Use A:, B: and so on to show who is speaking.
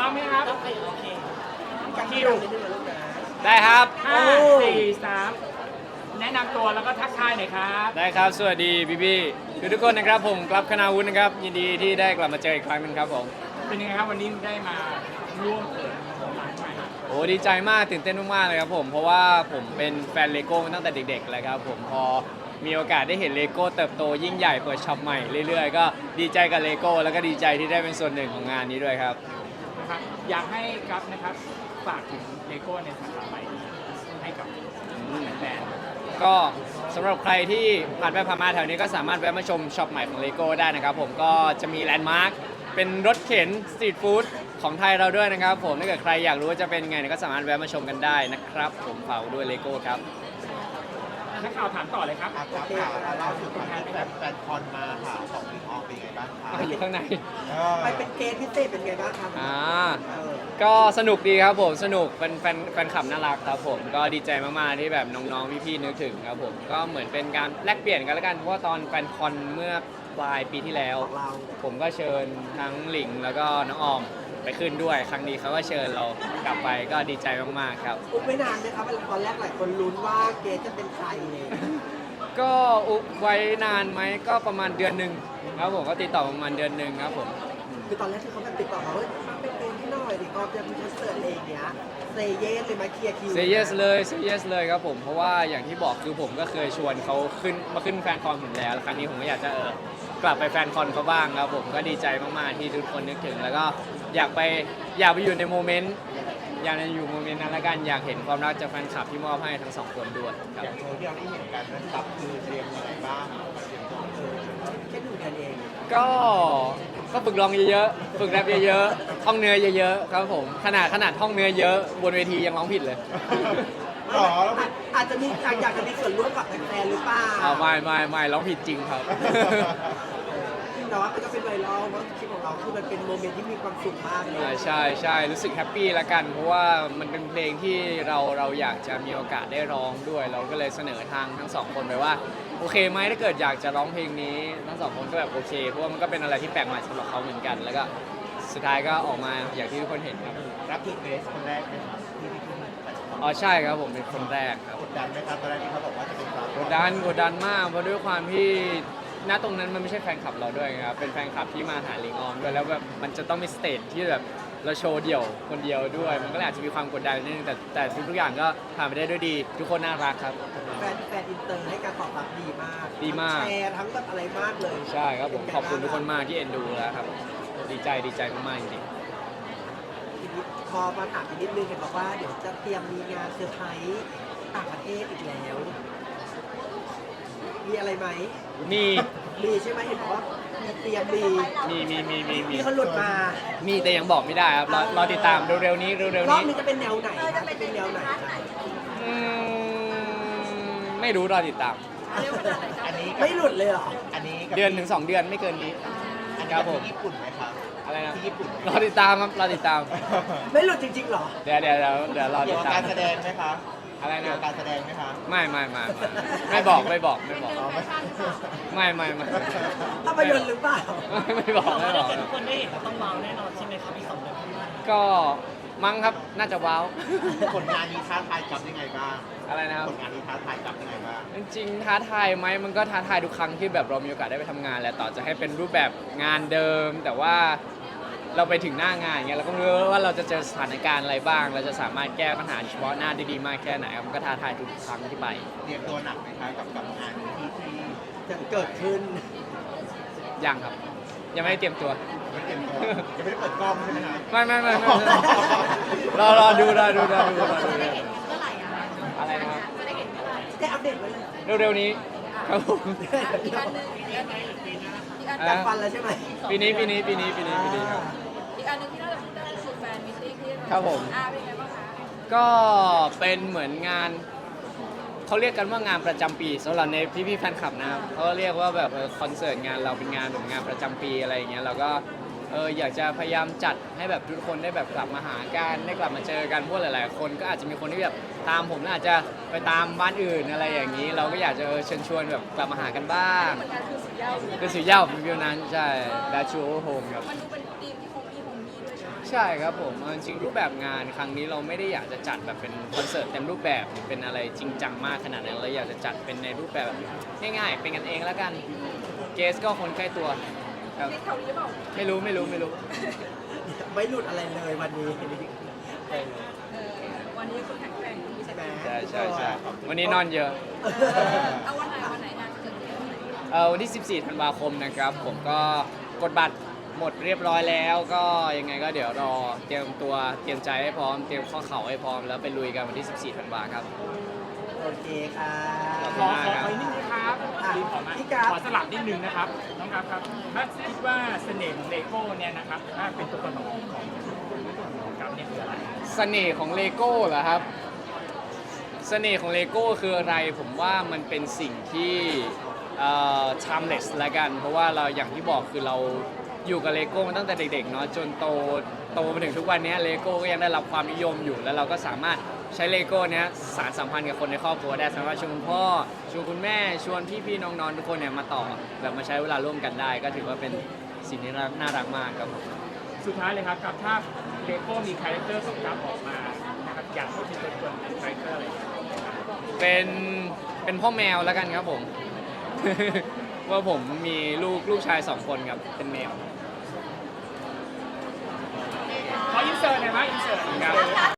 A: มไหมครับคิว
B: ได้ครับ
A: 5 4 3แนะนำตัวแล้วก็ทักทายหน่อยครับ
B: ได้ครับ สวัสดีพี่ทุกคนนะครับผมกลับคณาวุฒินะครับยินดีที่ได้กลับมาเจออีกครั้งหนึงครับผม
A: เป็นยังไงครับวันนี้ได้มาร่วมเปิดร้านใหม่
B: โอ้ดีใจมากตื่นเต้นมากๆเลยครับผมเพราะว่าผมเป็นแฟนเลโก้มาตั้งแต่เด็กๆเลยครับผมพอมีโอกาสได้เห็นเลโก้เติบโตยิ่งใหญ่เปิดช็อปใหม่เรื่อยๆก็ดีใจกับเลโก้แล้วก็ดีใจที่ได้เป็นส่วนหนึ่งของงานนี้ด้วยครับ
A: นะครับอยากให้ครับนะครับฝากถึงเลโก้ในสาขาใหม่ให้กับแฟน
B: ก็สำหรับใครที่ผ่านไปผ่านมาแถวนี้ก็สามารถแวะมาชมช็อปใหม่ของเลโก้ได้นะครับผมก็จะมีแลนด์มาร์คเป็นรถเข็นสตรีทฟู้ดของไทยเราด้วยนะครับผมถ้าเกิดใครอยากรู้ว่าจะเป็นไงเนี่ยก็สามารถแวะมาชมกันได้นะครับผมฝากด้วยเลโก้ครับ
A: นักข่าวถามต่อเลยครับ
C: ครับข่าวล่าสุดแฟนคอนมาค่ะของลิงออมเป็นไงบ้างคะ
B: อยู่ข้างใน
D: ไปเป็นเกสพิเศษเป็นไงบ้างครับ
B: ก็สนุกดีครับผมสนุกแฟนคลับน่ารักครับผมก็ดีใจมากๆที่แบบน้องๆพี่ๆนึกถึงครับผมก็เหมือนเป็นการแลกเปลี่ยนกันแล้วกันเพราะว่าตอนแฟนคอนเมื่อปลายปีที่แล้ว
D: ของเรา
B: ผมก็เชิญทั้งหลิงแล้วก็น้องออมไปขึ้นด้วยครั้งนี้เขาก็เชิญเรากลับไปก็ดีใจมากๆครับ
D: อุ๊บไม่นานนะครับตอนแรกหลายคนลุ้นว่าเกสจะเป็นใครเลย
B: ก็อุบไว้นานไหมก็ประมาณเดือนหนึ่งครับผมก็ติดต่อประมาณเดือนหนึ่งครับผม
D: คือตอนแรกที่เขาแบบติดต่อมาว่ามาเป็นเกสที่หน่อยดิก็จะมีคอนเสิร์ตอะไรอย่างเงี้ยเซเยสเลยมาเคลียร์คิว
B: เซเยสเลยเซเยสเลยครับผมเพราะว่าอย่างที่บอกคือผมก็เคยชวนเขาขึ้นแฟนคอนผมแล้วครั้งนี้ผมก็อยากจะกลับไปแฟนคอนเขาบ้างครับผมก็ดีใจมากๆที่ทุกคนนึกถึง แล้วก็อยากไปอยู่ในโมเมนต์อยากจะอยู่โมเมนต์นั้นละกันอยากเห็นความรักจากแฟนคลับที่มอบให้ทั้งสองคนด้วยครับ
C: อย่างโชว์ที่เราได้เห็นกันนะครับคือเตรียมยังไงบ้าง
D: แค่ดูกันเอง
B: ก็ฝึกร้องเยอะๆฝึกแรปเยอะๆท่องเนื้อเยอะๆครับผมขนาดท่องเนื้อเยอะบนเวทียังร้องผิดเลย
C: หรอแล้ว
D: อาจจะมีอยากจะมีส่วนร่วมกับแฟนๆหรือเปล่า
B: เอาไม่ร้องผิดจริงครับ
D: แต่ว่ามันก็เป็นไวรัลว่าคลิปของเราคือมันเป็นโมเมนต์ที่มีความสุขมากเลย
B: ใช่รู้สึกแฮปปี้ละกัน เพราะว่ามันเป็นเพลงที่เราอยากจะมีโอกาสได้ร้องด้วย เราก็เลยเสนอทางทั้งสองคนไปว่าโอเคไหมถ้าเกิดอยากจะร้องเพลงนี้ทั้งสองคนก็แบบโอเคเพราะว่ามันก็เป็นอะไรที่แปลกใหม่สำหรับเขาเหมือนกัน แล้วก็สุดท้ายก็ออกมาอย่างที่ทุกคนเห็นครับ
C: รับคือเบสคนแรกไหมครับที่ขึ้นไป
B: อ๋อใช่ครับผมเป็นคนแรกครับ
C: กดดันไหมครับตอนแรกที่เขาบอกว่าจะเป็นสาว
B: กดดันมากเพราะด้วยความที่ณตรงนั้นมันไม่ใช่แฟนคลับเราด้วยครับเป็นแฟนคลับที่มาหาลิงออมด้วยแล้วแบบมันจะต้องมีสเตจที่แบบเราโชว์เดี่ยวคนเดียวด้วย มันก็เลยอาจจะมีความกดดันนิดนึงแต่ทุกอย่างก็ผ่านไปได้ด้วยดี ทุกคนน่ารักครับ
D: แฟนอินเตอร์ให้การตอบรับดีมาก
B: ดีมาก
D: ทั้งแชร์ทั้งแบบอะไรมากเลย
B: ใช่ครับผมขอบคุณทุกคนมากที่เอ็นดูแล้วครับดีใจมากๆจริง
D: ทีนี้พอมาถามอีกนิดนึงเห็นบอกว่าเดี๋ยวจะเตรียมมีงานเซอร์ไพรส์ต่างประเทศอีกแล้ว มีอะไรไหม
B: ๆมี
D: มีใช่ไหมเห็นบอกว่ามีเตรียมมี
B: มี
D: เขาหลุดมา
B: มีแต่ยังบอกไม่ได้ครับรอติดตามเร็วๆนี้
D: รอบนี้จะเป็นแนวไหนคะจะเป็นแนวไหนคะ
B: อืไม่รู้รอติดตาม
C: อันนี้
D: ไม่หลุดเลยเหรอ
C: อันนี้กับ
B: เดือนถึง2 เดือนไม่เกินนี้
C: อันนี้
B: ครับผม
C: ที่ญี่ปุ่นไหมครับ
B: อะไรนะ
C: ที่ญี่ปุ่น
B: รอติดตามครับรอติดตาม
D: ไม่หลุดจริงๆเหรอ
B: เดี๋ยวรอ
C: เกี่
B: ติ
C: ยว
B: ด
C: กับ
B: ตาม
C: การแสดงไหมคะ
B: อะไร
C: เกี่ยว
B: นะ
C: กับการแสดงไหมคะ
B: ไม่บอก
C: อ๋อไม่
B: ไม่
D: ภาพยนตร์หรือเปล่า
B: ไม่บอก
A: ทุกคนได้เห็นต้องว้าวแน่นอนใช่ไหมครับอีก2 เดือนข้างหน้า
B: ก็มั้งครับน่าจะว้าว
C: ผลงานนี้ท้าทายกับยังไงบ้าง
B: อะไรนะครับ
C: ผลงานนี้ท้าทายกับยังไงบ้าง
B: จริงๆท้าทายไหมมันก็ท้าทายทุกครั้งที่แบบเรามีโอกาสได้ไปทำงานแหละต่อจะให้เป็นรูปแบบงานเดิม แต่ว่าเราไปถึงหน้างานอย่างเงี้ยเราก็ไม่รู้ว่าเราจะเจอสถานการณ์อะไรบ้าง เราจะสามารถแก้ปัญหาเฉพาะหน้าได้ดีมากแค่ไหนครับมันก็ท้าทายทุกครั้งที่ไป
C: เตรียมตัวหนักไหมคะกับงานนี้ที่
D: จะเกิดขึ้น
B: ยังครับ ยังไม่ได้เตรียมตัว
C: ไม่เตรียมตัวยังไม่ได้เปิดกล้องใช่ไหมคะ
B: ไม่รอดูอะไรนะครับ
D: ได้อัปเดตไว้เลย
B: เร็วๆนี้ครับผม
D: การฟันแล้วใช่ไหม
B: ปีนี้ครับ
E: อีกอันหนึงที่น่าจะพูดได้คือแฟนมิตติ้งที่
B: ครับผม
E: เป็นไงบ้างคะ
B: ก็เป็นเหมือนงานเขาเรียกกันว่างานประจำปีสำหรับในพี่ๆแฟนคลับนะครับเขาเรียกว่าแบบคอนเสิร์ตงานเราเป็นงานแบบงานประจำปีอะไรอย่างเงี้ยเราก็อยากจะพยายามจัดให้แบบทุกคนได้แบบกลับมาหากันได้กลับมาเจอกันเพราะหลายๆคนก็อาจจะมีคนที่แบบตามผมแล้วอาจจะไปตามบ้านอื่นอะไรอย่างนี้ เราก็อยากจะเชิญชวนแบบกลับมาหากันบ้าง
E: เหมือนกันคือสุดยอด
B: คือสุดยอดเป็นวิวนั้นใช่ดาชูโฮมครับ
E: มันดูเป็นทีมที่คงมีด้วยใช่ไหม
B: ใช่ครับผมเอาจริงๆรูปแบบงานครั้งนี้เราไม่ได้อยากจะจัดแบบเป็นคอนเสิร์ตเต็มรูปแบบหรือเป็นอะไรจริงจังมากขนาดนั้นเราอยากจะจัดเป็นในรูปแบบง่ายๆเป็นกันเองแล้วกันเกสก็คนใกล้ตัวครับ
E: ที่เขาหรือเปล่า
B: ไม่รู้
D: ไม่หลุดอะไรเลยวันนี้เออ
E: วันนี้คุณแข็งแกร่งมี
D: ใช่ไหม
B: ใช่วันนี้นอนเยอะ
E: เอาวันไหนงานจะเกิดขึ้น
B: วันที่ 14 ธันวาคมนะครับผมก็กดบัตรหมดเรียบร้อยแล้วก็ยังไงก็เดี๋ยวรอเตรียมตัวเตรียมใจให้พร้อมเตรียมข้อเข่าให้พร้อมแล้วไปลุยกันวันที่ 14 ธันวาครับ
D: โอเคค่ะ
A: ขออีกนิดนึงครับ
D: อ่ะ
A: ขอมา
D: พี่กราฟ
A: ขอสลับนิดนึงนะครับน้องกราฟครับถ้าคิดว่าเสน่ห์ของเลโก้เนี่ยนะครับถ้าเป็นตัวตนของกราฟเนี่ยคืออะไร
B: เสน่ห์ของเลโก้เหรอครับ เสน่ห์ของเลโก้คืออะไรผมว่ามันเป็นสิ่งที่timeless ละกัน เพราะว่าเราอย่างที่บอกคือเราอยู่กับเลโก้มาตั้งแต่เด็กๆเนาะจนโตมาถึงทุกวันนี้เลโก้ก็ยังได้รับความนิยมอยู่ แล้วเราก็สามารถใช้เลโก้เนี้ยสานสัมพันธ์กับคนในครอบครัวได้สามารถชวนคุณพ่อชวนคุณแม่ชวนพี่ๆน้องๆทุกคนเนี่ยมาต่อแบบมาใช้เวลาร่วมกันได้ ก็ถือว่าเป็นสิ่งที่น่ารักมากครับผม
A: สุดท้ายเลยครับกับถ้าเลโก้มีคาแรคเตอร์ของกราฟออกมานะครับอยากให้เป็นตัวตนเป็นคาแรคเตอร์อะไรครับ
B: เป็นพ่อแมวแล้วกันครับผม ว่าผมมีลูกชาย 2 คนครับเป็นแมว
A: ขออินเสิร์ตหน่อยไหมอินเสิร์ตครับ